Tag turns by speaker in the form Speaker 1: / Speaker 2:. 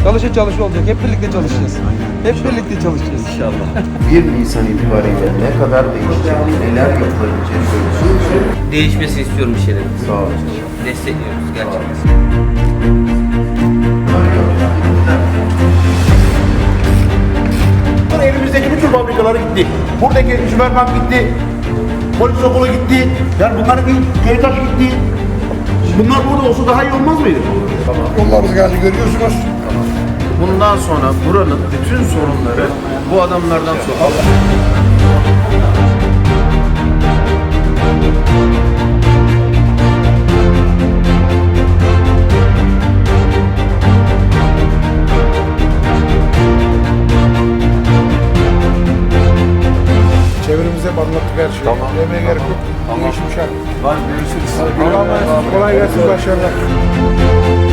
Speaker 1: Çalışa olacak. Hep birlikte çalışacağız. Hep birlikte çalışacağız.
Speaker 2: İnşallah.
Speaker 3: 1 Nisan itibariyle ne kadar değişecek, neler yapılabilecek söylüyorsunuz.
Speaker 2: Değişmesini istiyorum bir şeyler.
Speaker 3: Sağ olun.
Speaker 2: Destekliyoruz gerçekten.
Speaker 4: Elimizdeki bütün fabrikaları gitti. Buradaki süpermarket gitti. Polis okulu gitti. Yani bunların bir Köytaş gitti. Bunlar burada olsa daha iyi olmaz mıydı?
Speaker 5: Yollarımız geldi görüyorsunuz.
Speaker 3: Bundan sonra buranın bütün sorunları bu adamlardan sonra.
Speaker 5: Çevremize anlattık her şeyi.
Speaker 3: Tamam.
Speaker 5: Demeye gerek yok. Tamam. Bu iş müşahit.
Speaker 3: Var görüşürüz.
Speaker 5: Kolay gelsin, başarılar.